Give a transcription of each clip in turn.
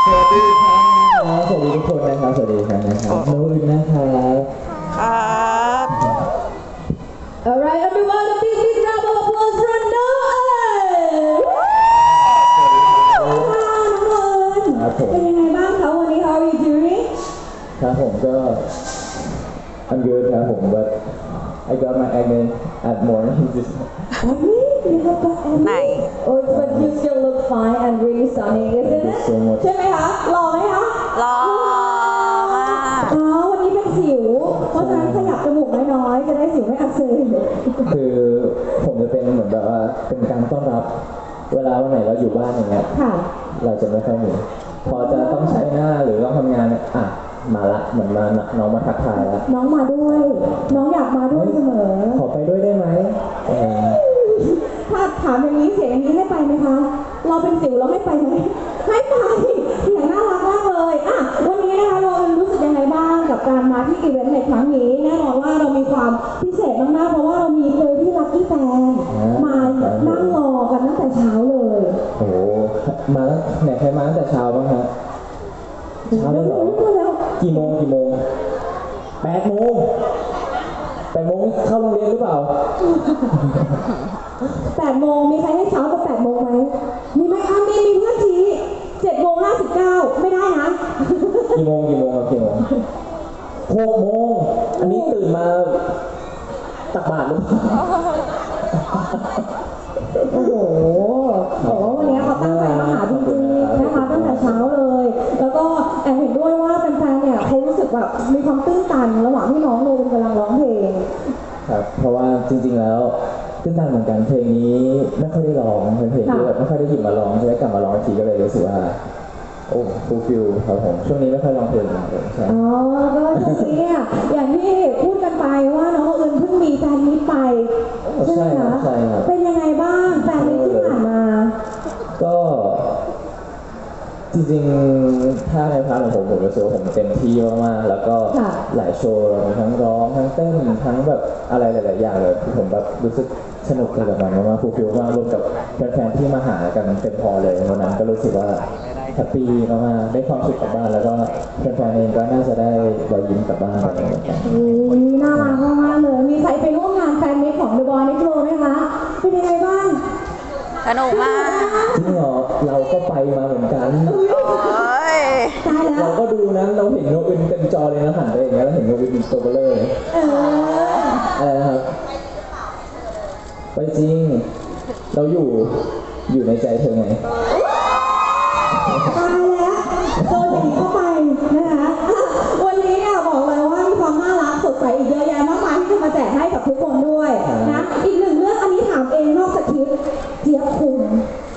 สวัสดีครับสวัสดีทุกคนนะครับสวัสดีครับโน้ตนะครับครับ Alright, everyone, a big round of applause for Noah! ครับผมเป็นยังไงบ้างคะวันนี้ How are you doing? ครับผมก็ I'm good ครับผม but I got my acne at morning just Acne? You have got acne? ไหน Oh, but you still look fine and really sunny, isn't Thank you it? so much ใช่ไหมคะหล่อไหมคะรอมากอ๋อวันนี้เป็นสิว เพราะฉะนั้นขยับจมูกน้อยๆจะได้สิวไม่อักเสบคือผมจะเป็นเหมือนแบบว่าเป็นการต้อนรับเวลาวันไหนเราอยู่บ้านอย่างเงี้ยค่ะเราจะไม่ค่อยมีพอจะต้องใช้หน้าหรือต้องทำงานเนี่ยอ่ะมาละเหมือนมาน้องมาทักทายแล้วน้องมาด้วย น้องอยากมาด้วยเสมอขอไปด้วยได้ไหมเออถ้าถามอย่างนี้เสียงอย่างนี้ให้ไปไหมคะ เราเป็นสิวเราให้ไปไหมให้ไปเสียงน่ารักมากเลยอ่ะวันนี้นะคะเรารู้สึกยังไงบ้างกับการมาที่อีเวนต์ในครั้งนี้แน่นอนว่าเรามีความพิเศษมากๆเพราะว่าเรามีเลยที่ลัคกี้แฟนมานั่งรอกันตั้งแต่เช้าเลยโอ้โหมาแล้วไหนใครมาตั้งแต่เช้าบ้างฮะเช้าเลยเหรอแล้วกี่โมง8 โมง8 โมงเข้าโรงเรียนหรือเปล่า 8 โมงมีใครให้เช้ากว่า8 โมงไหมมีไหมอ่ะมีเพื่อนชี้7:59ไม่ได้นะกี่โมงครับ6 โมงอันนี้ตื่นมาตักบาตรหรือเปล่าโอ้โหบอกว่าวันนี้เขาตั้งใจมาหาจริงๆนะคะตั้งแต่เช้าเลย แล้วก็แอบเห็นด้วยว่าแฟนๆเนี่ยเขารู้สึกแบบมีความตื้นตันระหว่างที่น้องโนเป็นกำลังร้องเพลงครับเพราะว่าจริงๆแล้วตื่นตันเหมือนกันเพลงนี้ไม่ค่อยได้ร้องเป็นเพลงที่แบบไม่ค่อยได้หยิบมาร้องจะได้กลับมาร้องอีกทีก็เลยรู้สึกว่าโอ้ฟูลฟิลครับผมช่วงนี้ไม่ค่อยร้องเพลงเลยใช่อ๋อ ก็ช่วงนี้เนี่ยอย่างที่พูดกันไปว่าน้องอื่นเพิ่งมีแฟนมิตไปใช่ไหมคะใช่ครับเป็นยังไงบ้างแฟนมิตที่ผ่านมาก็จริงๆถ้าในพาร์ทของผมรู้สึกว่าผมเต็มที่มากๆแล้วก็หลายโชว์เรามีทั้งร้องทั้งเต้นทั้งแบบอะไรหลายๆอย่างเลยที่ผมแบบรู้สึกสนุกเลยกับมันมากๆฟูลฟิลมากรวมกับแฟนๆที่มาหากันเต็มพอเลยวันนั้นก็รู้สึกว่าแฮปปี้มากๆได้ความสุขกลับบ้านแล้วก็แฟนๆเองก็น่าจะได้รอยยิ้มกลับบ้านไปเหมือนกันน่ารักมากๆเลย มีใครไปร่วมงานแฟนมิตของ The Boy Next Door ไหมคะ เป็นยังไงบ้างสนุกมากจริงเหรอเราก็ไปมาเหมือนกันโอ้ยตายแล้เราวก็ดูนะเราเห็นโนอึนเต็มจอเลยนะหันไปอย่างเงี้ยเราเห็นโนอึนตัวเบลอเลยเอออะไรนะครับไปจริงเราอยู่ในใจเธอไงตายแล้วโดนอย่างนี้เข้าไปนะคะวันนี้เนี่ยบอกเลยว่ามีความน่ารักสดใสอีกเยอะแยะมากมายที่จะมาแจกให้กับทุกคนด้วยนะอีกหนึ่งเรื่องอันนี้ถามเองนอกสคริปต์เจี๊ยบคุง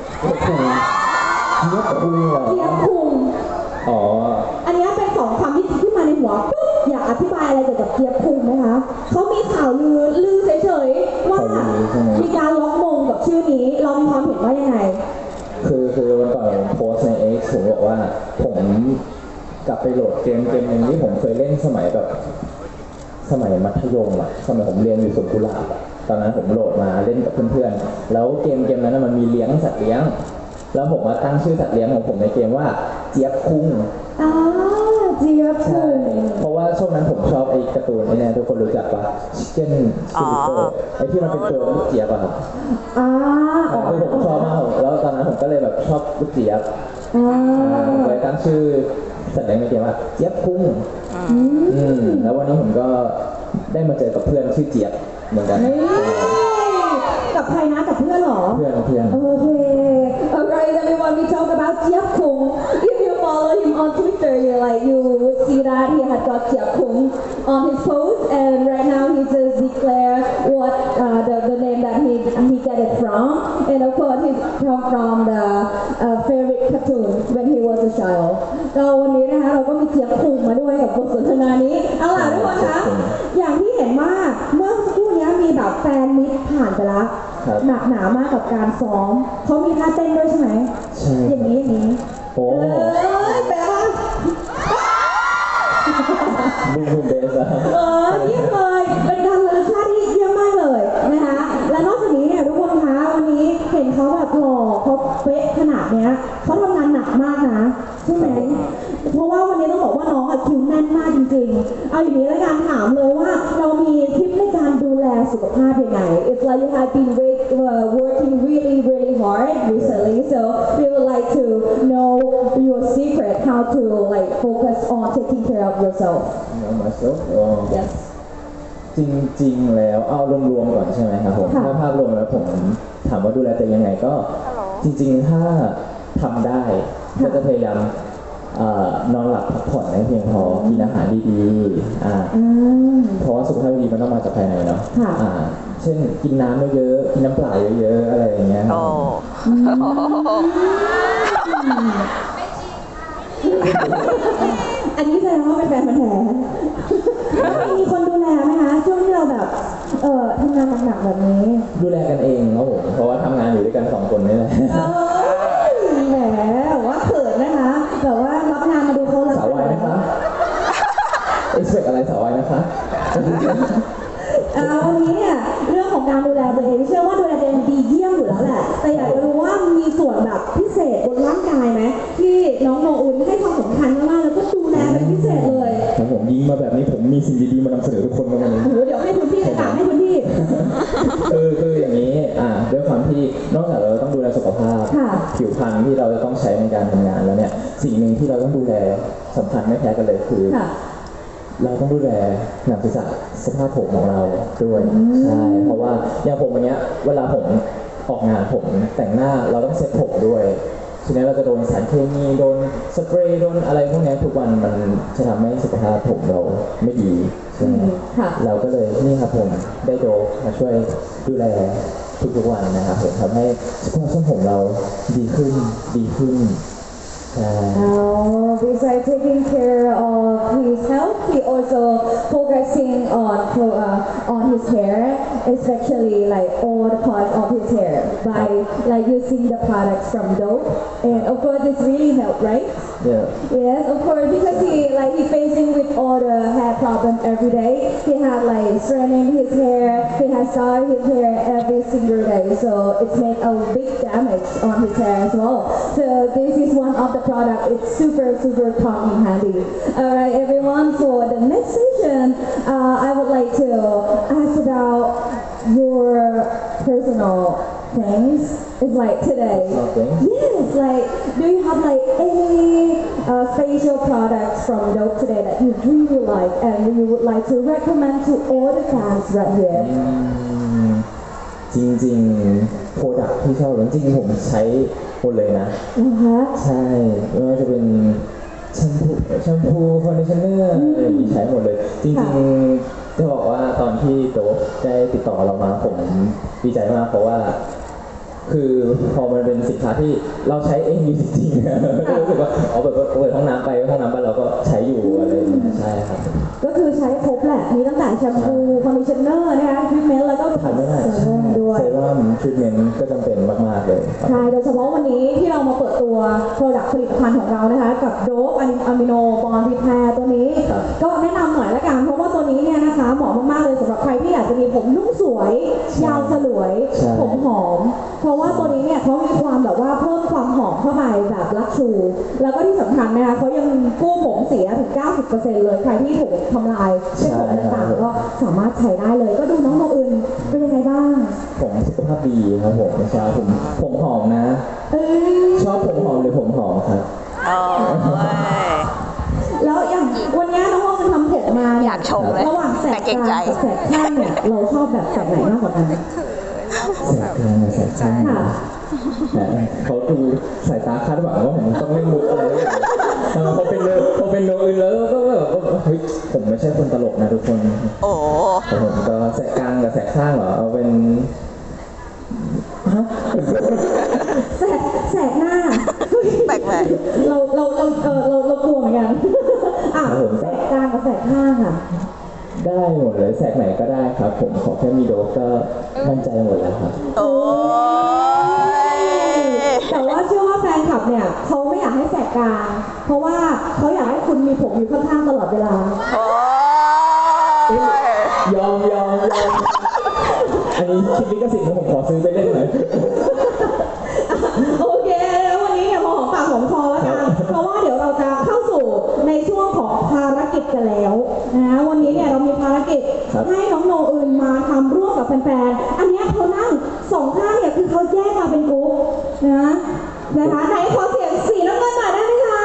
เจี๊ยบคุงเหรอเจี๊ยบคุงอ๋ออันนี้เป็นสองคำที่ขึ้นมาในหัวปุ๊บอยากอธิบายอะไรเกี่ยวกับเจี๊ยบคุงไหมคะเขามีข่าวลือเฉยๆว่ามีการล็อกมงกับชื่อนี้เรามีความเห็นว่ายังไงคือวันก่อนผมโพสต์ใน X ผมบอกว่าผมกลับไปโหลดเกมหนึ่งที่ผมเคยเล่นสมัยแบบสมัยมัธยมอะสมัยผมเรียนอยู่สวนกุหลาบอะตอนนั้นผมโหลดมาเล่นกับเพื่อนๆแล้วเกมนั้นนะมันมีเลี้ยงสัตว์เลี้ยง แล้วผมมาตั้งชื่อสัตว์เลี้ยงของผมในเกมว่าเจี๊ยบคุ้งอ่าเจี๊ยบคุใช่งเพราะว่าช่วงนั้นผมชอบไอ้การ์ตูนไอ้เนี่ยทุกคนรู้จักปะชิคเก้นซิลิโกไอ้ที่มันเป็นตัวลูกเจี๊ยบอะครับอ่าคือผมชอบมากแล้วตอนนั้นผมก็เลยแบบชอบลูกเจี๊ยบอ่าผมเลยตั้งชื่อสัตว์เลี้ยงในเกมว่าเจี๊ยบคุ้งแล้ววันนี้ผมก็ได้มาเจอกับเพื่อนชื่อเจี๊ยบเหมือนกันเฮ้ยกับใครนะกับเพื่อนเหรอเพื่อนโอเค Alright, everyone, we talk about Jiap Kung. If you follow him on Twitter, you would see that he had got Jiap Kung on his post, and right now he just declared what the name that he get it from, and of course he come from the favorite cartoon when he was a child. เราวันนี้นะคะเราก็มีเจี๊ยบคุงมาด้วยกับบทสนทนานี้ เอาล่ะทุกคนคะอย่างที่เห็นว่าเมื่อสักครู่นี้มีแบบแฟนมิตรผ่านไปแล้ว หนักหนามากกับการซ้อมเขามีท่าเต้นด้วยใช่ไหมใช่อย่างนี้โอ้แปลว่าบูมเบสอะเยี่ยมเลยเป็นการระลึกชาติที่เยี่ยมมากเลยนะคะ และนอกจากนี้เนี่ยทุกคนคะวันนี้เห็นเขาแบบหล่อเขาเป๊ะขนาดเนี้ยเขาทำงานหนักกมากนะใช่ไหมเพราะว่าวันนี้ต้องบอกว่าน้องอะคิวแน่นมากจริงๆเอาอย่างนี้แล้วกันถามเลยว่าเรามีทิปในการดูแลสุขภาพยังไง It's like you have been working really hard recently so we would like to know your secret how to like focus on taking care of yourself myself yes จริงๆแล้วเอารวมๆก่อนใช่ไหมครับผมค่ะถ้าภาพรวมแล้วผมถามว่าดูแลตัวเองยังไงก็จริงๆถ้าทำได้ก็จะพยายามนอนหลับพักผ่อนให้เพียงพอกินอาหารดีๆเพราะว่าสุขภาพดีมันต้องมาจากภายในเนาะค่ะเช่นกินน้ำเยอะๆกินน้ำเปล่าเยอะๆอะไรอย่างเงี้ยครับโอ้อันนี้แสดงว่าเป็นแฟนพันธุ์แท้มีคนดูแลไหมคะช่วงที่เราแบบทำงานหนักๆแบบนี้ดูแลกันเองครับผมเพราะว่าทำงานอยู่ด้วยกัน2 คนนี่แหละแหมว่าเขินนะคะแบบว่ารับงานมาดูเขารับสาววายนะคะเอ็กซ์เพคอะไรสาววายนะคะวันนี้เนี่ยเรื่องของการดูแลตัวเองเชื่อว่าดูแลตัวเองดีเยี่ยมอยู่แล้วแหละแต่อยากจะรู้ว่ามีส่วนแบบพิเศษบนร่างกายไหมที่น้องโนอุ่นให้ความสำคัญมากๆแล้วก็ดูแลเป็นพิเศษเลยครับผมยิงมาแบบนี้ผมมีสิ่งดีๆมานำเสนอทุกคนมาวันนี้โอ้โหเดี๋ยวให้พื้นที่เลยค่ะให้พื้นที่คืออย่างนี้ด้วยความที่นอกจากเราต้องดูแลสุขภาพค่ะผิวพรรณที่เราจะต้องใช้ในการทำงานแล้วเนี่ยสิ่งหนึ่งที่เราต้องดูแลสำคัญไม่แพ้กันเลยคือค่ะเราต้องดูแลหนังศีรษะสภาพผมของเราด้วยใช่เพราะว่าอย่างผมอย่างเงี้ยเวลาผมออกงานผมแต่งหน้าเราต้องเซ็ตผมด้วยทีนี้เราจะโดนสารเคมีโดนสเปรย์โดนอะไรพวกนี้ทุกวันมันจะทำให้สุขภาพผมเราไม่ดีใช่ไหมค่ะเราก็เลยนี่ครับผมได้โดปมาช่วยดูแลทุกๆวันนะครับผมทำให้สุขภาพผมเราดีขึ้นใช่ Besides taking care of his health, he also focusing on his hair, especially like all the parts of his hair by like using the products from Dove. And of course, it's really helped, right? yeah Yes, of course, because he facing with all the hair problem every day. He had like straightening his hair, he has dyed his hair every single day, so it's made a big damage on his hair as well. So this is one of the product. It's super come in handy. Alright, everyone. For the next session, I would like to ask about your personal things. It's like today. Personal things? Yes, like do you have like any facial products from Dove today that you really like and you would like to recommend to all the fans right here? จริงๆโปรดักที่ชอบจริงๆผมใช้หมดเลยนะ Uh-huh. ใช่ไม่ว่าจะเป็นแชมพูคอนดิชเนอร์อะไรอย่างนี้ใช้หมดเลย จริงๆจะบอกว่าตอนที่โต๊ะได้ติดต่อเรามาผมดีใจมากเพราะว่า คือพอมันเป็นสินค้าที่เราใช้เองอยู่จริงๆรู้สึกว่าแบบเปิดห้องน้ำไปห้องน้ำบ้านเราก็ใช้อยู่อะไรอย่างเงี้ยใช่ครับก็คือใช้ครบแหละ มีตั้งแต่แชมพูคอนดิชเนอร์นะคะทรีทเมนต์แล้วก็ทำไม่ได้เซรั่มด้วยเซรั่มทรีทเมนต์ก็จำเป็นมากๆเลยครับใช่ โดยเฉพาะวันนี้ที่เรามาเปิดตัวโปรดักต์ผลิตภัณฑ์ของเรานะคะ กับโดปอะมิโนบอนรีแพร์ตัวนี้ครับก็แนะนำหน่อยละกัน เพราะว่าตัวนี้เนี่ยนะคะเหมาะมากๆเลยสำหรับใครที่อยากจะมีผมนุ่มสวย ยาวสลวยใช่ผมหอม เพราะว่าตัวนี้เนี่ยเขามีความแบบว่าเพิ่มความหอมเข้าไปแบบลักชู แล้วก็ที่สำคัญนะคะเขายังกู้ผมเสียถึง 90% เลย ใครที่ถูกทำลายเส้นผมต่างๆก็สามารถใช้ได้เลย ก็ดูน้องโนอื่นเป็นยังไงบ้างผมสุขภาพดีครับผมใช่ผมหอมนะ ชอบผมหอมหรือผมหอมครับโอ้ยแล้วอย่างวันนี้น้องโมจะทำผมมาเนี่อยากชมเลยระหว่างแสแต่กเกรกงลางใจกับแสกข้างเนี่ยเราชอบแบบแสกไหนมากกว่ากันแสบกลางกับแสบข้างค่ะเขาดูสายตาคาดหวังว่าผมต้องเล่นมุกอะไรอย่างเงี้ยพอเป็นโนอื่นแล้วก็แบบเฮ้ยผมไม่ใช่คนตลกนะทุกคนโอ้แต่ผมก็แสกกลางกับแสกข้างเหรอเอาเป็นฮะแสกหน้าแปลกเรากลัวเหมือนกันอ่ะแสกกลางกับแสกข้างอ่ะได้หมดเลยแสกไหนก็ได้ครับ ผมขอแค่มีโดปก็มั่นใจหมดแล้วครับโอ้ยแต่ว่าเชื่อว่าแฟนคลับเนี่ยเขาไม่อยากให้แสกกลาง เพราะว่าเขาอยากให้คุณมีผมอยู่ข้างๆตลอดเวลาโอ้ยยอมอันนี้คิดลิขสิทธิ์นะผมขอซื้อไปเล่นหน่อยโอเคแล้ววันนี้เนี่ยพอหอมปากหอมคอแล้วกันแล้วนะวันนี้เนี่ยเรามีภารกิจครับให้น้องโนอื่นมาทำร่วมกับแฟนๆ อันเนี้ยเขานั่งสองข้างเนี่ยคือเขาแยกมาเป็นกรุ๊ปนะคะไหนขอเสียงสีน้ำเงินหน่อยได้ไหมคะ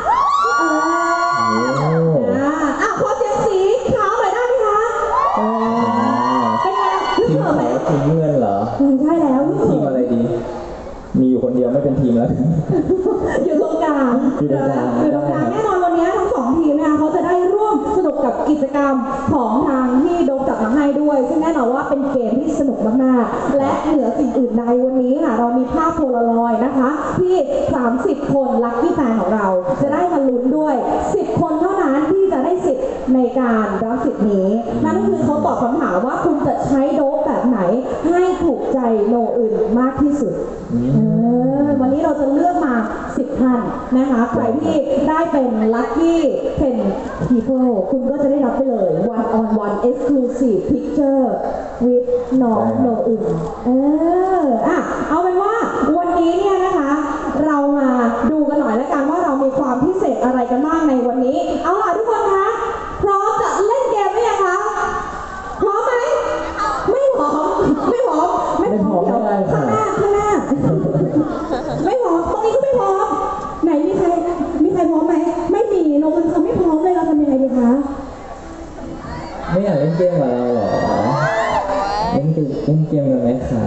ขอเสียงสีขาวหน่อยได้ไหมคะเป็นไงทีมเขินไหมขาวทีมเงินเหรอใช่แล้วทีมอะไรดี มีอยู่คนเดียวไม่เป็นทีมแล้วอยู่ตรงกลางอยู่ตรงกลางอยู่ตรงกลางแน่นอนวันนี้ทั้งสองทีมนะคะเขาจะได้ร่วมสนุกกับกิจกรรมของทางที่โดมจัดมาให้ด้วย ซึ่งแน่นอนว่าเป็นเกมที่สนุกมากๆและเหนือสิ่งอื่นใดวันนี้ค่ะเรามีภาพโพลารอยด์นะคะ ที่ 30 คนลัคกี้แฟนของเรา จะได้มาลุ้นด้วย 10 คนเท่านั้นที่จะได้สิทธิ์ในการรับสิทธิ์นี้ นั่นคือเขาตอบคำถามว่าคุณจะใช้โดปแบบไหนให้ถูกใจโนอื่นมากที่สุด วันนี้เราจะเลือกมา 10 ท่านนะคะ ใครที่ได้เป็น Lucky 10 People คุณก็จะได้รับไปเลย One on One Exclusive Picture with น้องโนอื่นเอาเป็นว่าวันนี้เนี่ยนะคะ เรามาดูกันหน่อยแล้วกันว่าเรามีความพิเศษอะไรกันบ้างในวันนี้ เอาล่ะทุกคนคะพร้อมจะเล่นเกมหรือยังคะ พร้อมไหม ไม่พร้อม ไม่พร้อม ไม่พร้อมไม่ได้เดี๋ยวข้างหน้า ไม่พร้อม ตรงนี้ก็ไม่พร้อม ไหนมีใครพร้อมไหม ไม่มีโนมันเขาไม่พร้อมเลยเราทำยังไงดีคะไม่อยากเล่นเกมกับเราเหรอ เล่นเกมกันไหมคะ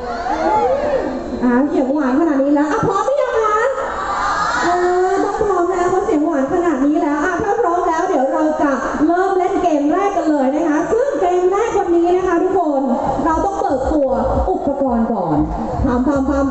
เสียงหวานขนาดนี้แล้วพร้อมหรือยังคะต้องพร้อมแล้วเพราะเสียงหวานขนาดนี้แล้วถ้าพร้อมแล้วเดี๋ยวเราจะเริ่มเล่นเกมแรกกันเลยนะคะ ซึ่งเกมแรกวันนี้นะคะทุกคน เราต้องเปิดตัวอุปกรณ์ก่อนพาม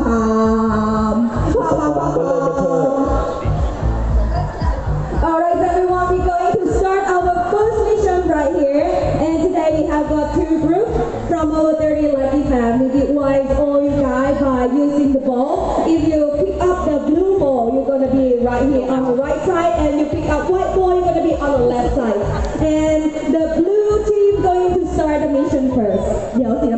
Alright everyone, we're going to start our first mission right here. And today we have got two groups from our 30 lucky family. We advise all you guys by using the ball. If you pick up the blue ball, you're going to be right here on the right side. And you pick up white ball, you're going to be on the left side. And the blue team going to start the mission first. เดี๋ยวสี